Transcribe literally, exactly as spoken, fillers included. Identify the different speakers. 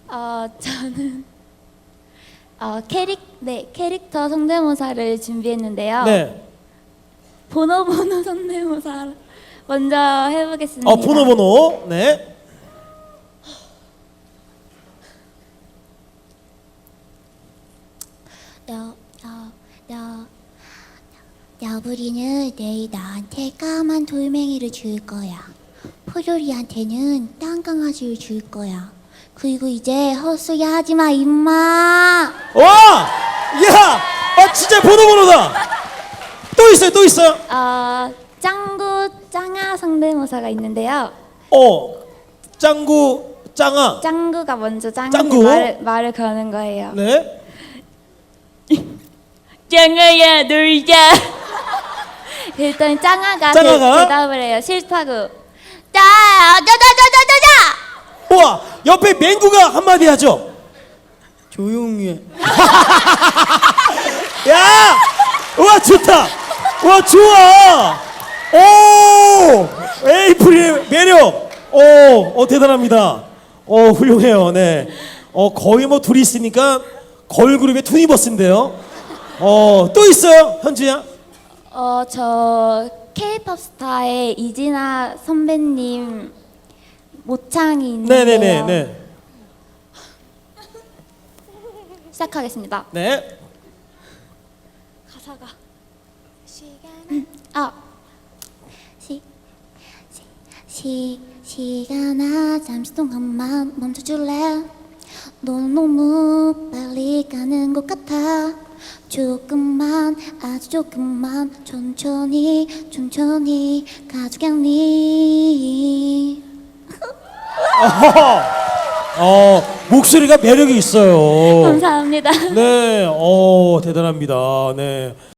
Speaker 1: 어, 저는 어, 캐릭, 네, 캐릭터 성대모사를 준비했는데요.
Speaker 2: 네.
Speaker 1: 보노보노 성대모사 먼저 해보겠습니다.
Speaker 2: 어, 보노보노. 네.
Speaker 1: 여, 여, 여, 여부리는 내일 나한테 까만 돌멩이를 줄 거야. 포도리한테는 땅강아지를 줄 거야. 그리고 이제 헛소리 하지 마, 임마.
Speaker 2: 와! 야! 아, 진짜 보노보노다. 또 있어요, 또 있어요.
Speaker 1: 어, 짱구 짱아 성대모사가 있는데요.
Speaker 2: 어, 짱구, 짱아.
Speaker 1: 짱구가 먼저 짱한테
Speaker 2: 짱구?
Speaker 1: 말을, 말을 거는 거예요.
Speaker 2: 네.
Speaker 1: 짱아야 놀자. 일단 짱아가,
Speaker 2: 짱아가?
Speaker 1: 대, 대답을 해요. 싫다고. 짜자자자자자.
Speaker 2: 우와, 옆에 맹구가 한마디 하죠. 조용히 해. 야! 우와, 좋다. 우와, 좋아. 오! 에이프릴의 매력. 오, 어, 대단합니다. 어, 훌륭해요. 네. 어, 거의 뭐 둘이 있으니까 걸그룹의 투니버스인데요. 어, 또 있어요, 현주야?
Speaker 1: 어, 저 K-팝 스타의 이진아 선배님 모창이 있는데요.
Speaker 2: 네네네. 네.
Speaker 1: 시작하겠습니다.
Speaker 2: 네.
Speaker 1: 가사가 시간 아 시, 시, 시, 시간아 잠시 동안만 멈춰줄래. 넌 너무 빨리 가는 것 같아. 조금만 아주 조금만 천천히 천천히 가져가니.
Speaker 2: 어, 어, 목소리가 매력이 있어요.
Speaker 1: 감사합니다.
Speaker 2: 네, 어, 대단합니다. 네.